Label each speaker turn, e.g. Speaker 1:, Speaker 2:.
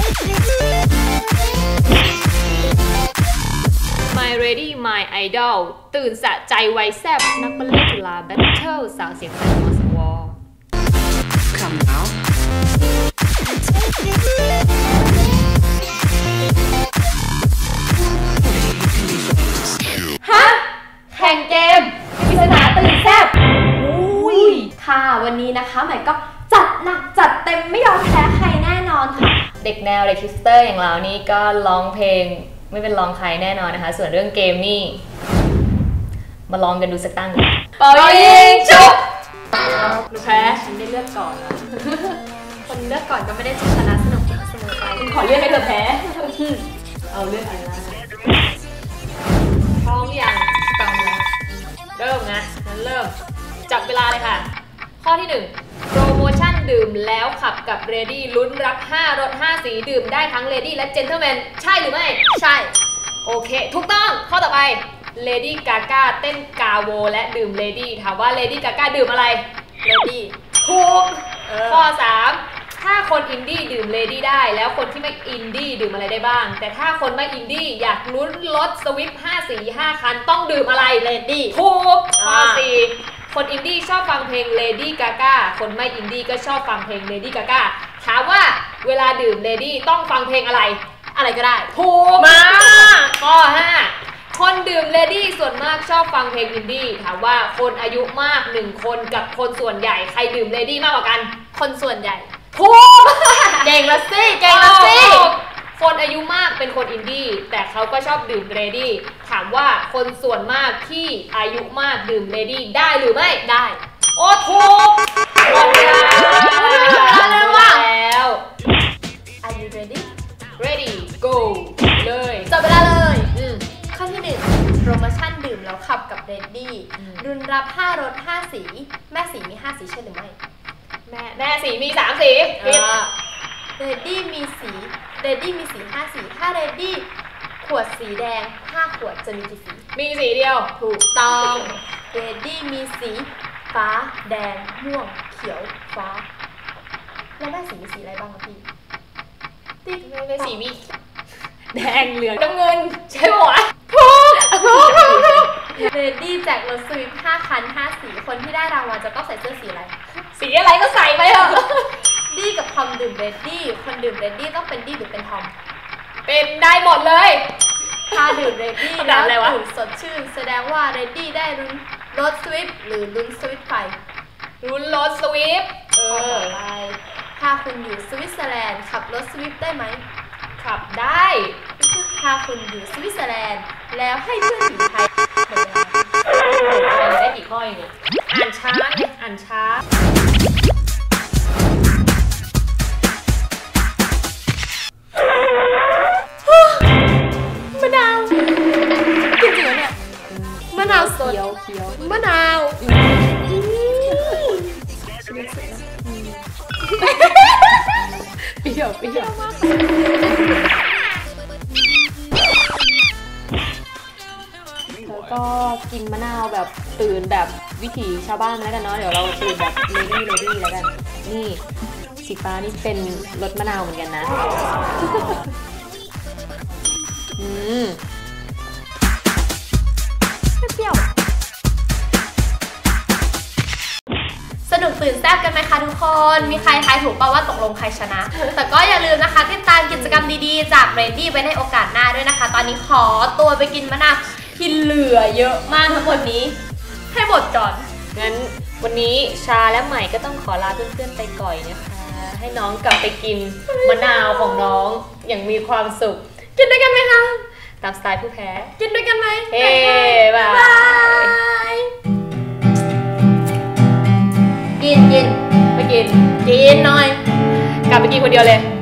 Speaker 1: My Ready My Idol ตื่นสะใจไวแซ่บนักบัลเล่ต์จุฬาแบทเทิลสาวเสียงแหบมสวCome now ฮะแข่งเกมปริศนาตื่นแซ่บอุ้ยค่ะวันนี้นะคะใหม่ก็จัดหนักจัดเต็มไม่ยอมแพ้ใครแน่นอนค่ะเด็กแนวเด็กฮิสเตอร์อย่างเรานี่ก็ร้องเพลงไม่เป็นรองใครแน่นอนนะคะส่วนเรื่องเกมนี่มาลองกันดูสักตั้งเป่ายิงชุบแพ้ฉันได้เลือกก่อนนะคนเลือกก่อนก็ไม่ได้ชนะสนุกเสมอไปขอเลือกให้เธอแพ้เอาเลือกอะไรพร้อมอย่างตั้งแล้วเริ่มนะงั้นเริ่มจับเวลาเลยค่ะข้อที่1โปรโมชั่นดื่มแล้วขับกับ Ready ลุ้นรับ5รส5สีดื่มได้ทั้ง Lady และ Gentleman ใช่หรือไม่ใช่โอเคถูกต้องข้อต่อไป Lady Gaga เต้นกาโวและดื่ม Lady ถามว่า Lady Gaga ดื่มอะไร Lady ถูกข้อ3ถ้าคนอินดี้ดื่ม Lady ได้แล้วคนที่ไม่อินดี้ดื่มอะไรได้บ้างแต่ถ้าคนไม่อินดี้อยากลุ้นรถสวิฟต์5สี5คันต้องดื่มอะไร Lady ถูกข้อ4คนอินดี้ชอบฟังเพลง Lady Gaga คนไม่อินดี้ก็ชอบฟังเพลง Lady Gaga ถามว่าเวลาดื่ม Lady ต้องฟังเพลงอะไรอะไรก็ได้ถูกมาข้อ5คนดื่ม Lady ส่วนมากชอบฟังเพลงอินดี้ถามว่าคนอายุมาก1คนกับคนส่วนใหญ่ใครดื่ม Lady มากกว่ากันคนส่วนใหญ่ถูกเก่งละสิเก่งละสิคนอายุมากเป็นคนอินดี้แต่เขาก็ชอบดื่ม Lady ถามว่าคนส่วนมากที่อายุมากดื่ม Lady ได้หรือไม่ได้โอ้ถูกหมดเวลาแล้วAre you ready ready go เลย
Speaker 2: จบเวลาเลยข้อที่1โปรโมชั่นดื่มแล้วขับกับ Ready รุ่นรับ5รส5สีแม่สีมี5สีใช่หรือไม่
Speaker 1: แม่สีมี3สี
Speaker 2: Ready มีสี5สีถ้า Ready ขวดสีแดง5ขวดจะมีกี่สี
Speaker 1: มีสีเดียว
Speaker 2: ถูกต้อง Ready มีสีฟ้าแดงม่วงเขียวฟ้าแล้วแม่สีมีสีอะไรบ้างคะพี่
Speaker 1: แม่สีมีแดงเหลืองน้ำเงินใช่ไหมวะ
Speaker 2: Ready แจกรถสวิฟต์5คัน5สีคนที่ได้รางวัลจะต้องใส่เสื้อสีอะไร
Speaker 1: สีอะไรก็ใส่ไปเถอะ
Speaker 2: ดี้กับทอมดื่ม Ready คนดื่ม Ready ต้องเป็นดี้หรือเป็นทอม
Speaker 1: เป็นได้หมดเลย
Speaker 2: ถ้าดื่ม Ready แล้วตื่นสดชื่นแสดงว่า Ready ได้ลุ้นรถสวิฟต์หรือลุ้นสวิฟต์ไฟ
Speaker 1: ลุ้นรถสวิฟต์
Speaker 2: ไปถ้าคุณอยู่สวิตเซอร์แลนด์ขับรถสวิฟต์ได้ไหม
Speaker 1: ขับได้
Speaker 2: ถ้าคุณอยู่สวิตเซอร์แลนด์แล้วให้เพื่อนอยู่ไทย
Speaker 1: ได้กี่ข้อเองเนี่ยอ่านช้าเนี่ยอ่านช้ามะนาวจริงๆเนี่ยมะนาวสดมะนาวเปรี้ยวแล้วก็กินมะนาวแบบตื่นแบบวิถีชาวบ้านแล้วกันเนาะเดี๋ยวเราตื่นแบบเลดี้แล้วกันนี่สีฟ้านี่เป็นรสมะนาวเหมือนกันนะ
Speaker 2: เปรี้ยวสนุกตื่นแซ่บกันไหมคะทุกคนมีใครทายถูกป่าวว่าตกลงใครชนะแต่ก็อย่าลืมนะคะติดตามกิจกรรมดีๆจาก Ready ไว้ในโอกาสหน้าด้วยนะคะตอนนี้ขอตัวไปกินมะนาวที่เหลือเยอะมากทั้งหมดนี้ให้หมดก่อน
Speaker 1: งั้นวันนี้ชาและใหม่ก็ต้องขอลาเพื่อนๆไปก่อนนะคะให้น้องกลับไปกินมะนาวของน้องอย่างมีความสุข
Speaker 2: กินด้วยกันไหมคะ
Speaker 1: ตามสไตล์ผู้แพ้
Speaker 2: กินด้วยกันไหม
Speaker 1: เฮ้บาย
Speaker 2: กิน
Speaker 1: ไปกิน
Speaker 2: หน่อย
Speaker 1: กลับไปกินคนเดียวเลย